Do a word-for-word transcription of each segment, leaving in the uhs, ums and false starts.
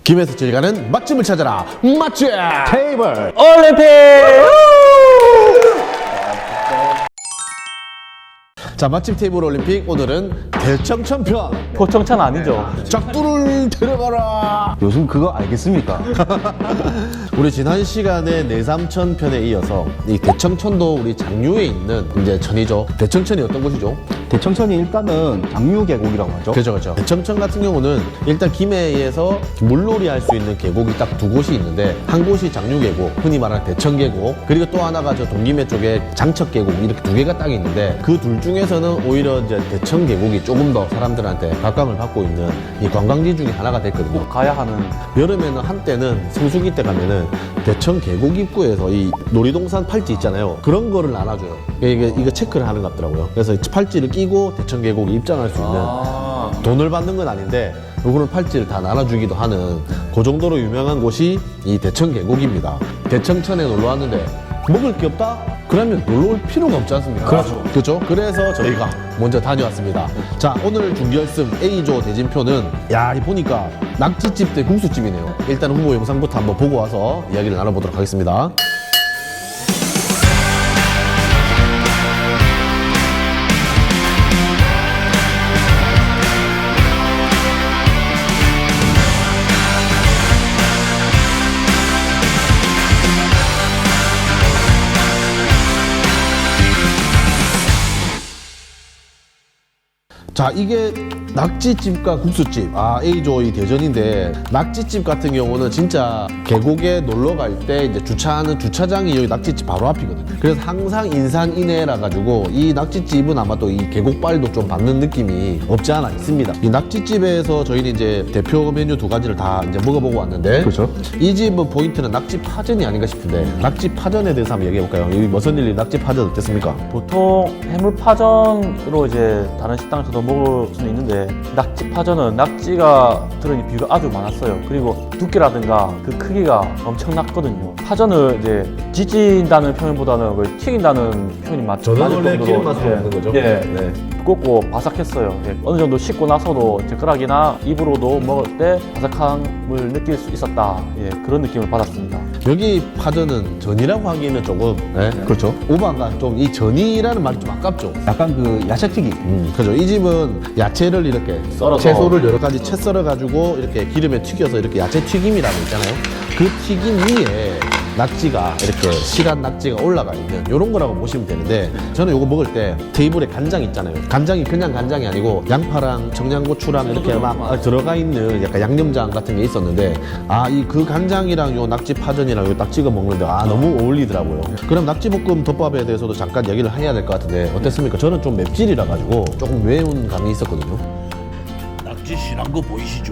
김에서 제일 가는 맛집을 찾아라. 맛집 테이블 올림픽! 자, 맛집 테이블 올림픽 오늘은 대청천 편. 고청천 아니죠? 작두를 데려가라. 요즘 그거 알겠습니까? 우리 지난 시간에 내삼천 편에 이어서 이 대청천도 우리 장류에 있는 이제 천이죠. 대청천이 어떤 곳이죠? 대청천이 일단은 장류 계곡이라고 하죠. 그죠, 그죠. 대청천 같은 경우는 일단 김해에서 물놀이 할 수 있는 계곡이 딱 두 곳이 있는데, 한 곳이 장류 계곡, 흔히 말하는 대청 계곡, 그리고 또 하나가 저 동김해 쪽에 장척 계곡, 이렇게 두 개가 딱 있는데, 그 둘 중에서는 오히려 이제 대청 계곡이 조금 더 사람들한테 각광을 받고 있는 이 관광지 중에 하나가 됐거든요. 꼭 가야 하는. 여름에는 한때는 성수기 때 가면은 대청 계곡 입구에서 이 놀이동산 팔찌 있잖아요. 그런 거를 나눠줘요. 이게 이거 체크를 하는 것 같더라고요. 그래서 이 팔찌를 끼고 대청 계곡에 입장할 수 있는, 아, 돈을 받는 건 아닌데 요거는 팔찌를 다 나눠주기도 하는 그 정도로 유명한 곳이 이 대청 계곡입니다. 대청천에 놀러 왔는데 먹을 게 없다? 그러면 놀러 올 필요가 없지 않습니까? 그렇죠. 그렇죠? 그래서 저희가 먼저 다녀왔습니다. 자, 오늘 준결승 A조 대진표는, 야, 이 보니까 낙지집 대 국수집이네요. 일단 후보 영상부터 한번 보고 와서 이야기를 나눠보도록 하겠습니다. 자, 이게 낙지집과 국수집, 아, A조 이 대전인데, 낙지집 같은 경우는 진짜 계곡에 놀러 갈 때 이제 주차하는 주차장이 여기 낙지집 바로 앞이거든요. 그래서 항상 인산인해라 가지고 이 낙지집은 아마 또 이 계곡발도 좀 받는 느낌이 없지 않아 있습니다. 이 낙지집에서 저희는 이제 대표 메뉴 두 가지를 다 이제 먹어보고 왔는데, 그렇죠. 이 집은 포인트는 낙지 파전이 아닌가 싶은데, 낙지 파전에 대해서 한번 얘기해볼까요? 여기 머선일리 낙지 파전 어땠습니까? 보통 해물파전으로 이제 다른 식당에서도 먹을 수는 있는데, 낙지파전은 낙지가 들어있는 비율이 아주 많았어요. 그리고 두께라든가 그 크기가 엄청났거든요. 파전을 이제 지진다는 표현보다는 거의 튀긴다는 표현이 맞, 저는 맞을 원래 정도로, 기름 맛으로 예, 먹는 거죠. 예, 네. 두껍고 바삭했어요. 예, 어느 정도 식고 나서도 젓가락이나 입으로도 먹을 때 바삭함을 느낄 수 있었다. 예, 그런 느낌을 받았습니다. 여기 파전은 전이라고 하기는 조금, 네? 그렇죠. 오바가 좀 이 전이라는 말이 좀 아깝죠. 약간 그 야채튀김. 음, 그죠. 이 집은 야채를 이렇게 썰어서. 채소를 여러 가지 채 썰어 가지고 이렇게 기름에 튀겨서 이렇게 야채 튀김이라고 있잖아요. 그 튀김 위에 낙지가 이렇게 실한 낙지가 올라가 있는 이런 거라고 보시면 되는데, 저는 이거 먹을 때 테이블에 간장 있잖아요. 간장이 그냥 간장이 아니고 양파랑 청양고추랑 이렇게 막 들어가 있는 약간 양념장 같은 게 있었는데, 아, 이 그 간장이랑 요 낙지 파전이랑 요 딱 찍어 먹는데 아, 너무 어울리더라고요. 그럼 낙지볶음 덮밥에 대해서도 잠깐 얘기를 해야 될 것 같은데 어땠습니까? 저는 좀 맵찔이라 가지고 조금 매운 감이 있었거든요. 낙지 실한 거 보이시죠?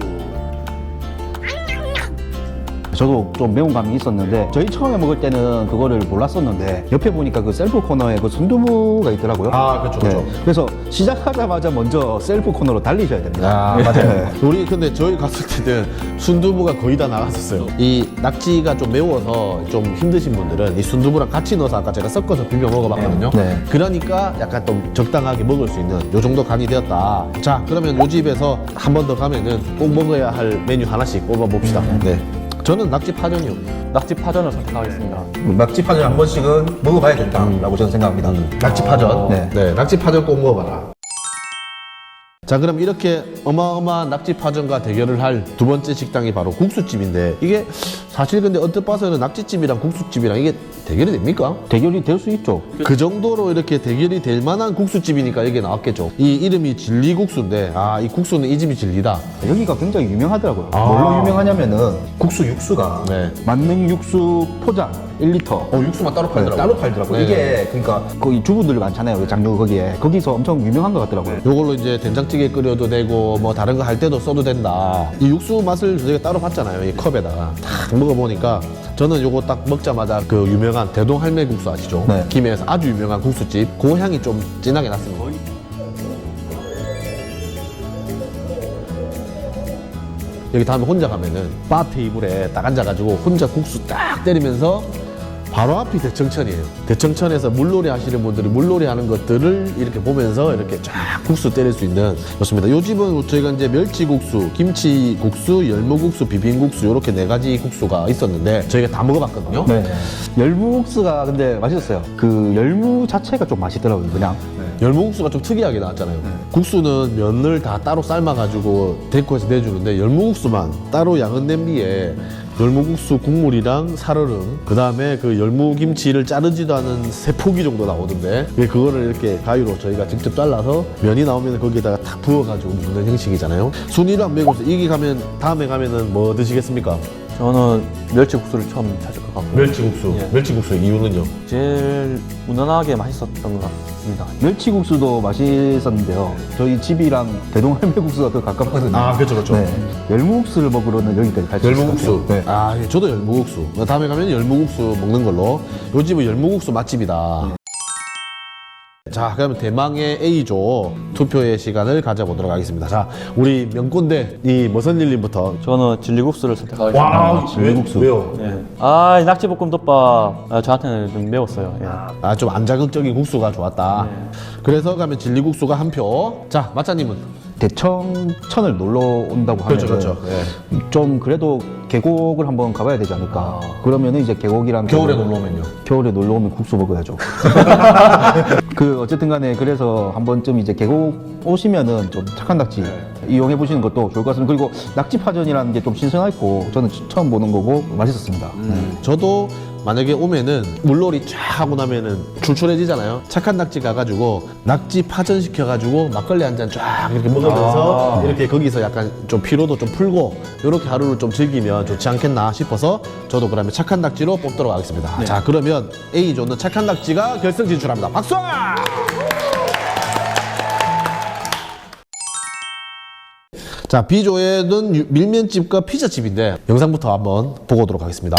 저도 좀 매운 감이 있었는데, 저희 처음에 먹을 때는 그거를 몰랐었는데 옆에 보니까 그 셀프 코너에 그 순두부가 있더라고요. 아, 그렇죠, 그렇죠. 그래서 시작하자마자 먼저 셀프 코너로 달리셔야 됩니다. 아, 맞아요. 네. 우리 근데 저희 갔을 때는 순두부가 거의 다 나갔었어요. 이 낙지가 좀 매워서 좀 힘드신 분들은 이 순두부랑 같이 넣어서 아까 제가 섞어서 비벼 먹어봤거든요. 네. 그러니까 약간 좀 적당하게 먹을 수 있는 요 정도 간이 되었다. 자, 그러면 요 집에서 한 번 더 가면은 꼭 먹어야 할 메뉴 하나씩 꼽아봅시다. 네. 저는 낙지 파전이요. 낙지파전을 선택하겠습니다. 낙지파전 한 번씩은 먹어봐야 된다라고 저는 생각합니다. 낙지 파전. 네. 네, 낙지 파전 꼭 먹어봐라. 자, 그럼 이렇게 어마어마한 낙지 파전과 대결을 할 두 번째 식당이 바로 국수집인데, 이게 사실 근데 언뜻 봐서는 낙지집이랑 국수집이랑 이게 대결이 됩니까? 대결이 될 수 있죠. 그 정도로 이렇게 대결이 될 만한 국수집이니까 이게 나왔겠죠. 이 이름이 진리국수인데, 아, 이 국수는 이 집이 진리다. 여기가 굉장히 유명하더라고요. 아. 뭘로 유명하냐면은 국수 육수가 네. 만능 육수 포장 일 리터 어, 육수만 따로 팔더라고요. 따로 팔더라고요. 네. 이게 그러니까 거기 주부들 많잖아요. 그 장류 거기에 거기서 엄청 유명한 것 같더라고요. 요걸로 이제 된장찌개 끓여도 되고 뭐 다른 거 할 때도 써도 된다. 이 육수 맛을 저희가 따로 봤잖아요. 이 컵에다가 딱 먹어보니까 저는 요거 딱 먹자마자 그 유명한 대동할매국수 아시죠? 네. 김해에서 아주 유명한 국수집, 그 향이 좀 진하게 났습니다. 여기 다음에 혼자 가면은 바 테이블에 딱 앉아가지고 혼자 국수 딱 때리면서 바로 앞이 대청천이에요. 대청천에서 물놀이 하시는 분들이 물놀이 하는 것들을 이렇게 보면서 이렇게 쫙 국수 때릴 수 있는 좋습니다. 요 집은 저희가 이제 멸치국수, 김치국수, 열무국수, 비빔국수 이렇게 네 가지 국수가 있었는데 저희가 다 먹어봤거든요. 네. 열무국수가 근데 맛있었어요. 그 열무 자체가 좀 맛있더라고요, 그냥. 열무국수가 좀 특이하게 나왔잖아요. 국수는 면을 다 따로 삶아가지고 데코해서 내주는데 열무국수만 따로 양은 냄비에 열무국수 국물이랑 살얼음, 그 다음에 그 열무김치를 자르지도 않은 세 포기 정도 나오던데 그거를 이렇게 가위로 저희가 직접 잘라서 면이 나오면 거기에다가 탁 부어가지고 먹는 형식이잖아요. 순위로 안 매고 이게 가면 다음에 가면은 뭐 드시겠습니까? 저는 멸치국수를 처음 찾을 것 같고 멸치국수. 예. 멸치국수 이유는요? 제일 무난하게 맛있었던 것 같습니다. 멸치국수도 맛있었는데요. 저희 집이랑 대동할매국수가 더 가깝거든요. 아, 그렇죠, 그렇죠. 네. 열무국수를 먹으러는 여기까지 갈 수 있을 것 열무국수. 같아요. 네. 아, 예, 저도 열무국수. 다음에 가면 열무국수 먹는 걸로. 요 집은 열무국수 맛집이다. 자, 그러면 대망의 A조 투표의 시간을 가져보도록 하겠습니다. 자, 우리 명꼰대 이 머선일님부터. 저는 진리국수를 선택하겠습니다. 와, 열무국수. 왜요? 예. 아, 이 낙지볶음덮밥 아, 저한테는 좀 매웠어요. 예. 아, 좀 안 자극적인 국수가 좋았다. 그래서 가면 진리국수가 한 표. 자, 마짜님은? 대청천을 놀러 온다고 하면 그렇죠, 그렇죠. 예. 좀 그래도 계곡을 한번 가봐야 되지 않을까. 그러면은 이제 계곡이랑 겨울에 그- 놀러 오면요? 겨울에 놀러 오면 국수 먹어야죠. 그 어쨌든 간에 그래서 한 번쯤 이제 계곡 오시면은 좀 착한 낙지 이용해 보시는 것도 좋을 것 같습니다. 그리고 낙지파전이라는 게 좀 신선했고 저는 처음 보는 거고 맛있었습니다. 네. 저도 만약에 오면은 물놀이 쫙 하고 나면은 출출해지잖아요. 착한 낙지 가가지고 낙지 파전 시켜가지고 막걸리 한 잔 쫙 이렇게 먹으면서 이렇게 거기서 약간 좀 피로도 좀 풀고 이렇게 하루를 좀 즐기면 좋지 않겠나 싶어서 저도 그러면 착한 낙지로 뽑도록 하겠습니다. 자, 그러면 A조는 착한 낙지가 결승 진출합니다. 박수! 자, B조에는 유- 밀면집과 피자집인데 영상부터 한번 보고 오도록 하겠습니다.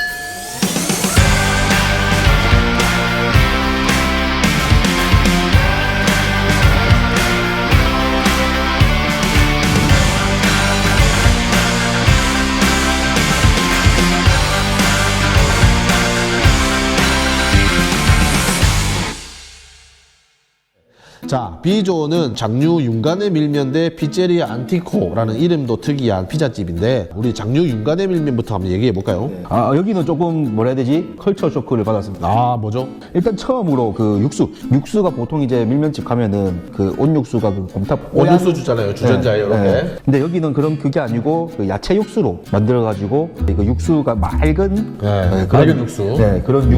자, B조는 장류 윤간의 밀면 대 피제리아 안티코라는 이름도 특이한 피자집인데 우리 장류 윤간의 밀면부터 한번 얘기해 볼까요? 아, 여기는 조금 뭐라 해야 되지? 컬처 쇼크를 받았습니다. 아, 뭐죠? 일단 처음으로 그 육수. 육수가 보통 이제 밀면집 가면은 그 온육수가 그 곰탕 온육수 주잖아요, 주전자에 이렇게. 근데 여기는 그런 그게 아니고 그 야채 육수로 만들어가지고 그 육수가 맑은 네, 맑은 육수. 네, 그런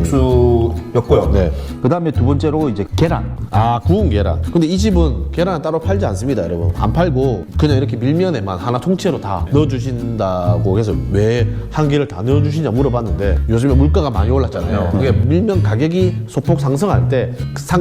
육수였고요. 네. 그 다음에 두 번째로 이제 계란. 아, 구운 계란. 근데 이 집은 계란은 따로 팔지 않습니다, 여러분. 안 팔고 그냥 이렇게 밀면에만 하나 통째로 다 넣어주신다고 해서 왜 한 개를 다 넣어주시냐 물어봤는데 요즘에 물가가 많이 올랐잖아요. 그게 밀면 가격이 소폭 상승할 때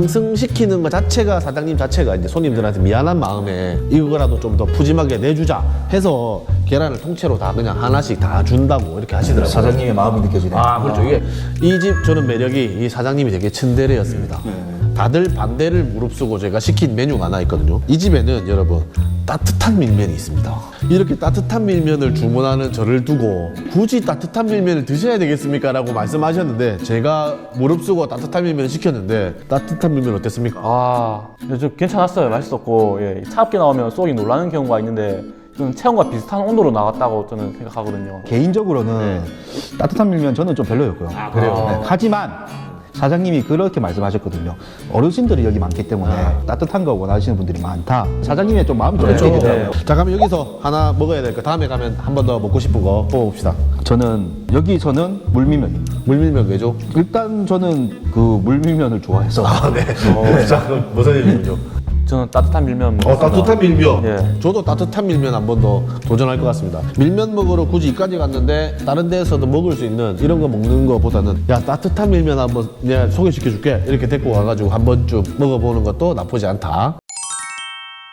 상승시키는 것 자체가 사장님 자체가 이제 손님들한테 미안한 마음에 이거라도 좀 더 푸짐하게 내주자 해서 계란을 통째로 다 그냥 하나씩 다 준다고 이렇게 하시더라고요. 사장님의 마음이 느껴지네. 아, 그렇죠. 이게 이 집 저는 매력이 이 사장님이 되게 츤데레였습니다. 다들 반대를 무릅쓰고 제가 시킨 메뉴가 하나 있거든요. 이 집에는 여러분 따뜻한 밀면이 있습니다. 이렇게 따뜻한 밀면을 주문하는 저를 두고 굳이 따뜻한 밀면을 드셔야 되겠습니까? 라고 말씀하셨는데 제가 무릅쓰고 따뜻한 밀면을 시켰는데 따뜻한 밀면 어땠습니까? 아, 좀 괜찮았어요. 맛있었고, 예. 차갑게 나오면 쏙이 놀라는 경우가 있는데, 저는 체온과 비슷한 온도로 나왔다고 저는 생각하거든요. 개인적으로는 따뜻한 밀면 저는 좀 별로였고요. 아, 그래요? 하지만 사장님이 그렇게 말씀하셨거든요. 어르신들이 여기 많기 때문에 따뜻한 거 원하시는 분들이 많다. 사장님의 좀 마음이 좀 그렇죠. 느껴지더라고요. 자, 그러면 여기서 하나 먹어야 될 거 다음에 가면 한 번 더 먹고 싶은 거 뽑아봅시다. 저는 여기서는 물밀면입니다. 물밀면 왜죠? 일단 저는 그 물밀면을 좋아해서 아, 네. 어, 자, 그럼 무슨 일이죠? 저는 따뜻한 밀면 어, 먹었습니다. 따뜻한 밀면. 예. 저도 따뜻한 밀면 한 번 더 도전할 것 같습니다. 밀면 먹으러 굳이 이까지 갔는데 다른 데에서도 먹을 수 있는 이런 거 먹는 거보다는 야, 따뜻한 밀면 한번 내가 소개시켜 줄게. 이렇게 데리고 가가지고 한 번쯤 먹어보는 것도 나쁘지 않다.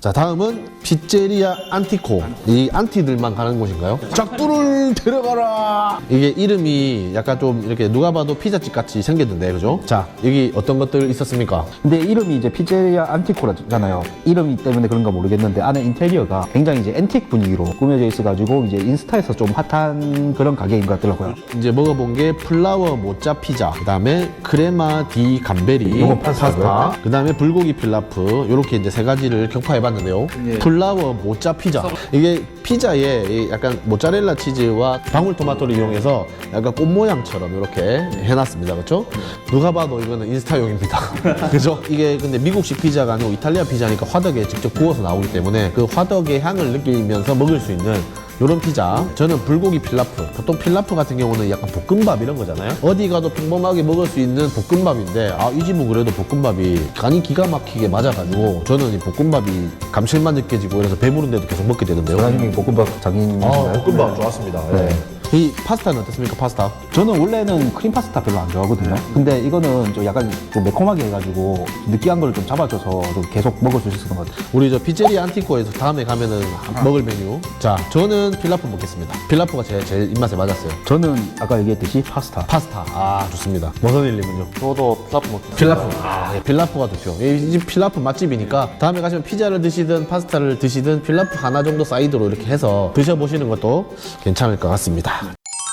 자, 다음은 피제리아 안티코. 이 안티들만 가는 곳인가요? 짝두를 데려가라. 이게 이름이 약간 좀 이렇게 누가 봐도 피자집 같이 생겼는데, 그죠? 자, 여기 어떤 것들 있었습니까? 근데 이름이 이제 피제리아 안티코라잖아요. 이름이 때문에 그런가 모르겠는데 안에 인테리어가 굉장히 이제 앤틱 분위기로 꾸며져 있어가지고 이제 인스타에서 좀 핫한 그런 가게인 것 같더라고요. 이제 먹어본 게 플라워 모짜 피자, 그 다음에 크레마 디 감베리, 요건 파스타고요. 그 다음에 불고기 필라프, 요렇게 이제 세 가지를 격파해봤는데요. 플라워 모짜 피자. 이게 피자에 이 약간 모짜렐라 치즈와 방울토마토를 이용해서 약간 꽃 모양처럼 이렇게 해놨습니다. 그렇죠? 누가 봐도 이거는 인스타용입니다. 그죠? 이게 근데 미국식 피자가 아니고 이탈리아 피자니까 화덕에 직접 구워서 나오기 때문에 그 화덕의 향을 느끼면서 먹을 수 있는 요런 피자. 저는 불고기 필라프. 보통 필라프 같은 경우는 약간 볶음밥 이런 거잖아요. 어디 가도 평범하게 먹을 수 있는 볶음밥인데, 아, 이 집은 그래도 볶음밥이 간이 기가 막히게 맞아가지고 저는 이 볶음밥이 감칠맛 느껴지고 그래서 배부른데도 계속 먹게 되는데요. 사장님이 볶음밥 장인이신가요? 아, 볶음밥 좋았습니다. 네. 이 파스타는 어떻습니까, 파스타? 저는 원래는 크림 파스타 별로 안 좋아하거든요. 근데 이거는 좀 약간 좀 매콤하게 해가지고 느끼한 걸 좀 잡아줘서 좀 계속 먹을 수 있었던 것 같아요. 우리 저 피제리아 안티코에서 다음에 가면은 먹을 메뉴. 자, 저는 필라프 먹겠습니다. 필라프가 제 제일 입맛에 맞았어요. 저는 아까 얘기했듯이 파스타. 파스타. 아, 좋습니다. 머선일님은요? 저도 필라프 먹겠습니다. 필라프. 아, 예, 필라프가 좋죠. 이 집 필라프 맛집이니까 다음에 가시면 피자를 드시든 파스타를 드시든 필라프 하나 정도 사이드로 이렇게 해서 드셔보시는 것도 괜찮을 것 같습니다.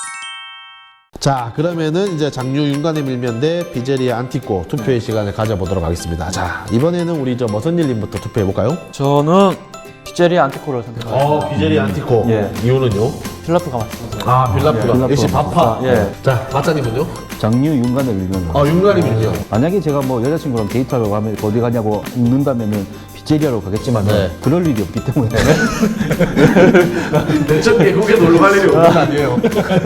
자, 그러면은 이제 장류 윤관의 밀면 대 피제리아 안티코 투표의 시간을 가져보도록 하겠습니다. 자, 이번에는 우리 저 머선일님부터 투표해볼까요? 저는 피제리아 안티코를 선택합니다. 어, 피제리아 안티코. 예. 이유는요? 필라프가 맛있어요. 아, 필라프가. 필라프. 역시 바파. 예. 자, 마짜님은요? 장류 윤관을 밀면. 아, 윤관의 밀면. 만약에 제가 뭐 여자친구랑 데이트하러 가면 어디 가냐고 묻는다면은 피제리아로 가겠지만 네. 은 그럴 일이 없기 때문에 대천 계곡에 놀러 갈 일이 없는 거 아니에요?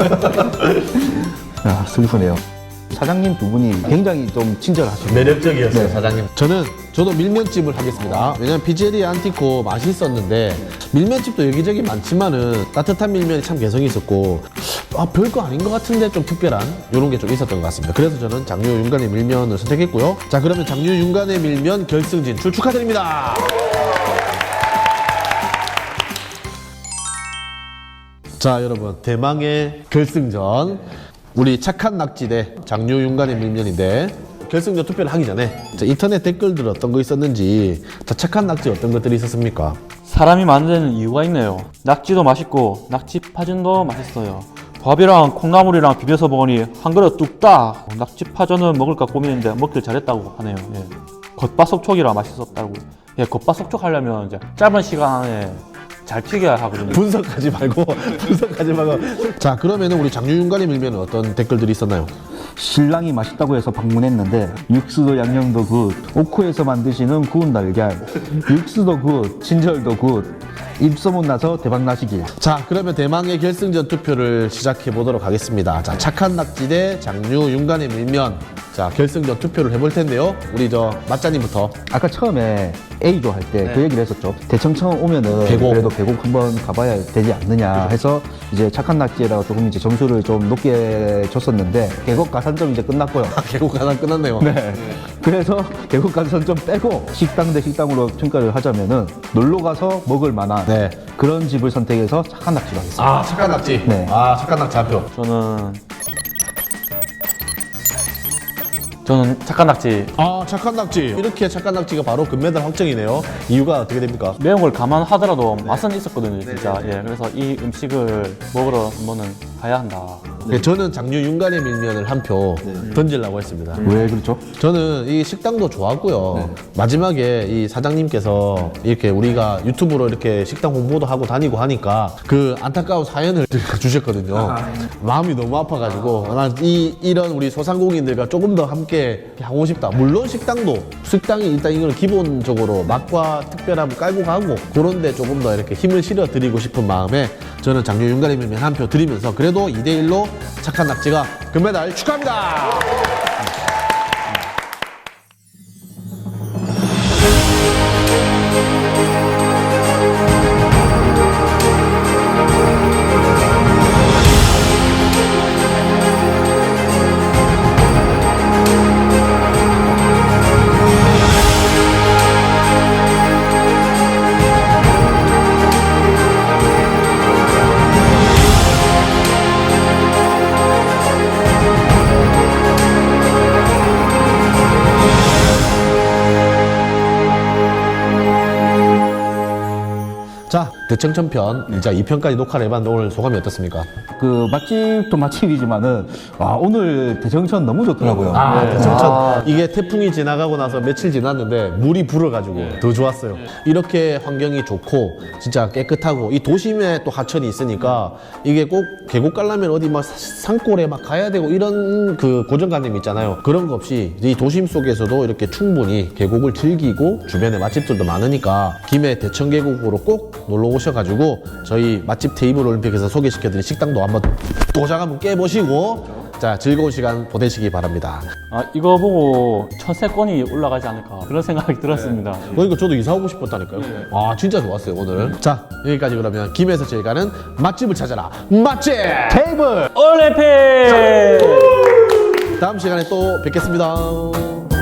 아, 슬프네요. 사장님 두 분이 굉장히 좀 친절하시고 매력적이었어요, 네. 사장님. 저는 저도 밀면집을 하겠습니다. 왜냐면 피제리아 안티코 맛있었는데 밀면집도 여기저기 많지만은 따뜻한 밀면이 참 개성이 있었고, 아, 별거 아닌 것 같은데 좀 특별한 이런 게 좀 있었던 것 같습니다. 그래서 저는 장류 윤관의 밀면을 선택했고요. 자, 그러면 장류 윤관의 밀면 결승 진출 축하드립니다. 자, 여러분, 대망의 결승전. 우리 착한 낙지 대 장류 윤관의 밀면인데, 결승전 투표를 하기 전에 자, 인터넷 댓글들 어떤 거 있었는지, 자, 착한 낙지 어떤 것들이 있었습니까? 사람이 만드는 이유가 있네요. 낙지도 맛있고 낙지 파전도 맛있어요. 밥이랑 콩나물이랑 비벼서 먹으니 한 그릇 뚝딱. 낙지 파전은 먹을까 고민했는데 먹길 잘했다고 하네요. 예. 겉바속촉이라 맛있었다고. 예, 겉바속촉 하려면 이제 짧은 시간 안에 잘 튀겨야 하거든요. 분석하지 말고 분석하지 말고. 자, 그러면은 우리 장류 윤관의 밀면은 어떤 댓글들이 있었나요? 신랑이 맛있다고 해서 방문했는데 육수도 양념도 굿, 오크에서 만드시는 구운 달걀, 육수도 굿, 친절도 굿, 입소문 나서 대박 나시길. 자, 그러면 대망의 결승전 투표를 시작해 보도록 하겠습니다. 자, 착한 낙지 대 장류 윤관의 밀면. 자, 결승전 투표를 해볼 텐데요. 우리 저 맛자님부터. 아까 처음에 A조 할 때 그 얘기를 했었죠. 대청 처음 오면은 계곡. 그래도 계곡 한번 가봐야 되지 않느냐 해서 이제 착한 낙지에다가 조금 이제 점수를 좀 높게 줬었는데 계곡 가산점 이제 끝났고요. 계곡 하나 끝났네요. 네. 그래서 계곡 가산점 빼고 식당 대 식당으로 평가를 하자면은 놀러 가서 먹을 만한 네. 그런 집을 선택해서 착한 낙지로 하겠습니다. 아, 착한 낙지. 네. 아, 착한 낙지 한 표. 저는 저는 착한 낙지. 아, 착한 낙지. 이렇게 착한 낙지가 바로 금메달 확정이네요. 이유가 어떻게 됩니까? 매운 걸 감안하더라도 맛은 있었거든요, 진짜. 예, 그래서 이 음식을 먹으러 한번은 가야 한다. 네, 저는 장류 윤관의 밀면을 한 표 던지려고 했습니다. 왜 그렇죠? 저는 이 식당도 좋았고요. 마지막에 이 사장님께서 이렇게 우리가 유튜브로 이렇게 식당 홍보도 하고 다니고 하니까 그 안타까운 사연을 주셨거든요. 마음이 너무 아파가지고 난 이 이런 우리 소상공인들과 조금 더 함께 하고 싶다. 물론 식당도 식당이 일단 이걸 기본적으로 맛과 특별함을 깔고 가고 그런데 조금 더 이렇게 힘을 실어 드리고 싶은 마음에 저는 장류 윤관의 밀면 한 표 드리면서 그래도 이 대 일로 착한 낙지가 금메달 축하합니다. 대청천편 자 이 편까지 녹화를 해봤는데 오늘 소감이 어떻습니까? 그 맛집도 맛집이지만은 와 오늘 대정천 너무 좋더라고요. 아, 네. 대청천. 이게 태풍이 지나가고 나서 며칠 지났는데 물이 불어가지고 더 좋았어요. 이렇게 환경이 좋고 진짜 깨끗하고 이 도심에 또 하천이 있으니까 이게 꼭 계곡 가려면 어디 막 산골에 막 가야 되고 이런 그 고정관념 있잖아요. 그런 거 없이 이 도심 속에서도 이렇게 충분히 계곡을 즐기고 주변에 맛집들도 많으니까 김해 대청계곡으로 꼭 놀러 오셔가지고 저희 맛집 테이블 올림픽에서 소개시켜드린 식당도 한번 도장 한번 깨보시고 자 즐거운 시간 보내시기 바랍니다. 아, 이거 보고 천세권이 올라가지 않을까 그런 생각이 들었습니다. 그러니까 저도 이사 오고 싶었다니까요. 아 진짜 좋았어요 오늘. 자 여기까지 그러면 김해에서 제일 가는 맛집을 찾아라 맛집 테이블 올림픽! 다음 시간에 또 뵙겠습니다.